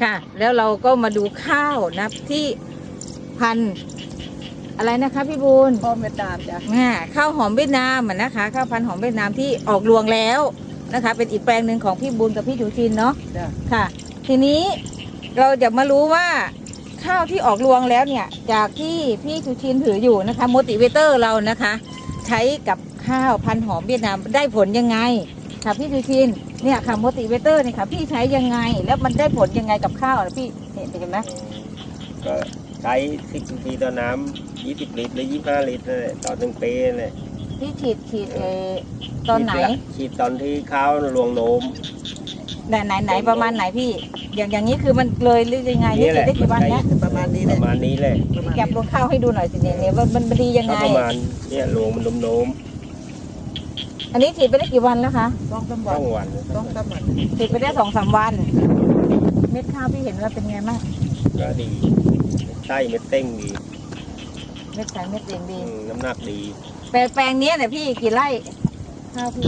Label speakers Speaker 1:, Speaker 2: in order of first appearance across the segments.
Speaker 1: ค่ะแล้วเราก็มาดูข้าวนะที่พันธุ์อะไรนะคะพี่บูล
Speaker 2: ข้าวเวียดนามจ้ะ
Speaker 1: ข้าวหอมเวียดนามนะคะข้าวพันธุ์หอมเวียดนามที่ออกรวงแล้วนะคะเป็นอีกแปลงหนึ่งของพี่บูลกับพี่ชูชินเนาะ
Speaker 2: จ้ะ
Speaker 1: ค่ะทีนี้เราจะมารู้ว่าข้าวที่ออกรวงแล้วเนี่ยจากที่พี่ชูชินถืออยู่นะคะโมติเวเตอร์เรานะคะใช้กับข้าวพันธุ์หอมเวียดนามได้ผลยังไงค่ะพี่ชูชินเนี่ยค่ะโมติเวเตอร์เนี่ยค่ะพี่ใช้ยังไงแล้วมันได้ผลยังไงกับข้าวนะพี่เห็นไหม
Speaker 3: ก็ใช้10 นาทีต่อน้ำ20 ลิตรหรือ25 ลิตรนั่นแหละต่อ1 ปีนั่นแหละ
Speaker 1: พี่ฉีดตอนไหน
Speaker 3: ฉีดตอนที่ข้าวรวงโน้ม
Speaker 1: ไหนประมาณไหนพี่อย่างนี้คือมันเลยหรือยังไงนี่ฉีดได้กี่วันแล้ว
Speaker 2: ประมาณนี้
Speaker 3: ป
Speaker 2: แหละ
Speaker 3: ระมาณนี้แหละ
Speaker 1: แก็บรวงข้าวให้ดูหน่อยสิเนี่ยว่ามันดียัง
Speaker 3: ก็
Speaker 1: ไง
Speaker 3: ประมาณเนี่ยรวงมันโน้ม
Speaker 1: อันนี้ฉีดไปได้กี่วันแล้วคะ
Speaker 2: ต้องสาม
Speaker 3: ๆ
Speaker 2: วั
Speaker 3: ต้
Speaker 2: น
Speaker 3: องวัน
Speaker 2: ต้องสามวัน
Speaker 1: ฉีดไปได้2-3 วัน เม็ดข้าวพี่เห็นว่าเป็นไงบ้าง
Speaker 3: ก็ดีไส้เม็ดเต้งดี
Speaker 1: เม็ดใสเม็ดเรียงดี
Speaker 3: น้ำหนักดี
Speaker 1: แปลงนี้เนี่ยพี่กี่ไร่ข้าวพี่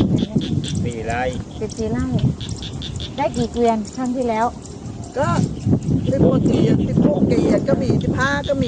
Speaker 3: 4 ไร่
Speaker 1: เป็น4 ไร่ได้กี่เกวียนครั้งที่แล้ว
Speaker 2: ก็16 กี่16 กี่ก็มี15ก็มี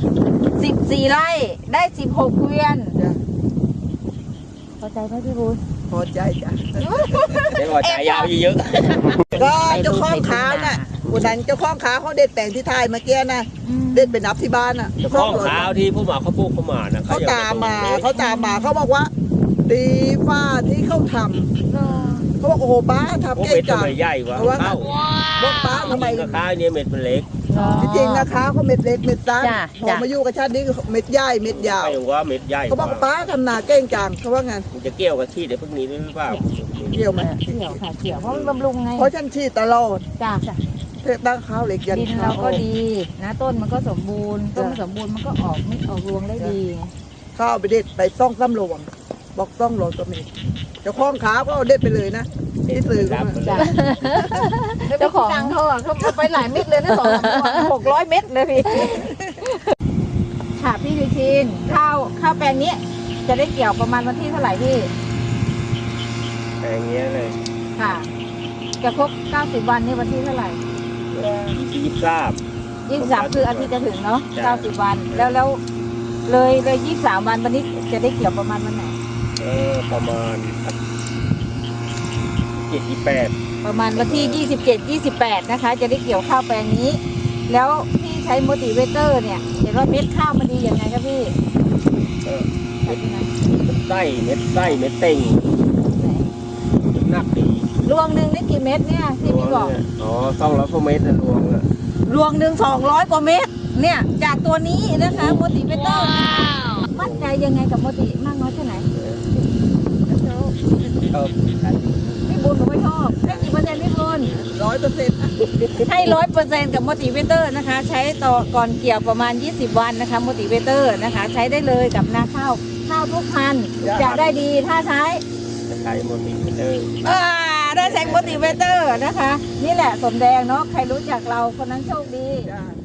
Speaker 1: 14 ไร่ได้16 เกวียน
Speaker 2: จ้ะ
Speaker 1: พอใจไหมพี่บูล
Speaker 2: พอใจจ้ะ
Speaker 3: ได้พอใจยาวเยอะ
Speaker 2: ก็เจ้าของขาวน่ะวันนั้นเจ้าของขาวเขาเด็ดแปลงที่ไทยเมื่อกี้นะเด็ดไปนับที่บ้านน่ะ
Speaker 3: ๆข้อขาวที่ผู้หมาเขาปลูกเขาหมานะ
Speaker 2: เขาตามมาเขาบอกว่า ดีฟ้าที่เขาทำเขาบอกโอ้โหป้า
Speaker 3: พว
Speaker 2: ทำ
Speaker 3: ก
Speaker 2: เก่
Speaker 3: เม็
Speaker 2: ง
Speaker 3: ด
Speaker 2: จั
Speaker 3: ทำ
Speaker 2: ง
Speaker 3: ไมใหญ่วะ
Speaker 2: เพราะว่า
Speaker 3: ข้าว
Speaker 2: บอกป้าทำไม
Speaker 3: จริงๆข้าวเนี่ยเม็ดมันเล็ก
Speaker 2: จริงๆนะคะเขาเม็ดเล็กเม็ดสั้น
Speaker 1: จ้ะ
Speaker 2: พอมาอยู่กับชาตินี้เม็ดใหญ่เม็ดยาว
Speaker 3: ไม่ว่าเม็ดใหญ่
Speaker 2: เขาบอกป้าทำนาเก่งจังเขาว่างั้น
Speaker 3: มันจะเกี่ยวกับที่เดี๋ยวพวกนี้ด้วยหรือเปล่า
Speaker 2: เกี่ยวไหม
Speaker 1: เกี่ยวค่ะเกี่ยวเพราะมันบำรุงไง
Speaker 2: เพราะฉันฉีดตลอด
Speaker 1: จ้ะ
Speaker 2: เทตั้งข้าวเหล็กยัน
Speaker 1: ดิน
Speaker 2: ข้า
Speaker 1: เรา
Speaker 2: ว
Speaker 1: ก็ดีนะต้นมันก็สมบูรณ์ต้นมันสมบูรณ์มันก็ออกไม่ออกรวงได้ดี
Speaker 2: ข้าวไปเด็ดไปต้องซ้ำรวงบอกต้องรวงก็มีเจ้าของขาก็เอาเด็ดไปเลยนะที่ซื้อ
Speaker 3: ครั
Speaker 2: ก็
Speaker 3: บ
Speaker 2: มา
Speaker 1: จ้ะเจ้าของเขาอ่ะเขาเอาไปหลายเม็ดเลยนะ600 เม็ดเลยพี่ค่ะพี่วิชินข้าวแปลงนี้จะได้เกี่ยวประมาณวันที่เท่าไหร่พี่
Speaker 3: แต่อย่างเงี้ยเลย
Speaker 1: ค่ะจะครบ90 วันนี่วันที่เท่าไหร่
Speaker 3: 23
Speaker 1: คืออาทิตย์จะถึงเนาะ
Speaker 3: จ้ะ
Speaker 1: 90 วันแล้วเลย23 วันวันนี้จะได้เกี่ยวประมาณวันไหน
Speaker 3: ประมาณ28
Speaker 1: ประมาณวันที่ 27-28 นะคะ จะได้เกี่ยวข้าวแปลงนี้ แล้วพี่ใช้โมติเวเตอร์เนี่ยเห็นว่าเม็ดข้าวมันดีอย่างไรครับพี่
Speaker 3: เม็ดไส้เม็ดเต็งน้ำหนักดี
Speaker 1: รวงหนึ่งได้กี่เม็ดเนี่ยที่พี่บอก
Speaker 3: เนี่ยอ๋อ200 กว่าเม็ดนะรวงอ่ะ
Speaker 1: รวงหนึ่ง200 กว่าเม็ดเนี่ยจากตัวนี้นะคะโมติเวเตอร์มั่นใจยังไงกับโมติมากน้อยแค่ไหน
Speaker 3: เออ
Speaker 1: พี่บุญผมไม่ชอบให้กี่เปอร์เซ็นต์พี่บุญ
Speaker 2: 100%
Speaker 1: ให้100%กับโมติเวเตอร์นะคะ ใช้ต่อก่อนเกี่ยวประมาณ20 วันนะคะโมติเวเตอร์นะคะ ใช้ได้เลยกับนาข้าวทุกพันธุ์จะได้ดีถ้าใช้
Speaker 3: จะใช้โมดิฟิเตอร์
Speaker 1: ได้ใช้โมติเวเตอร์นะคะ นี่แหละสมแดงเนาะใครรู้จักเราคนนั้นโชคดี
Speaker 2: จ้ะ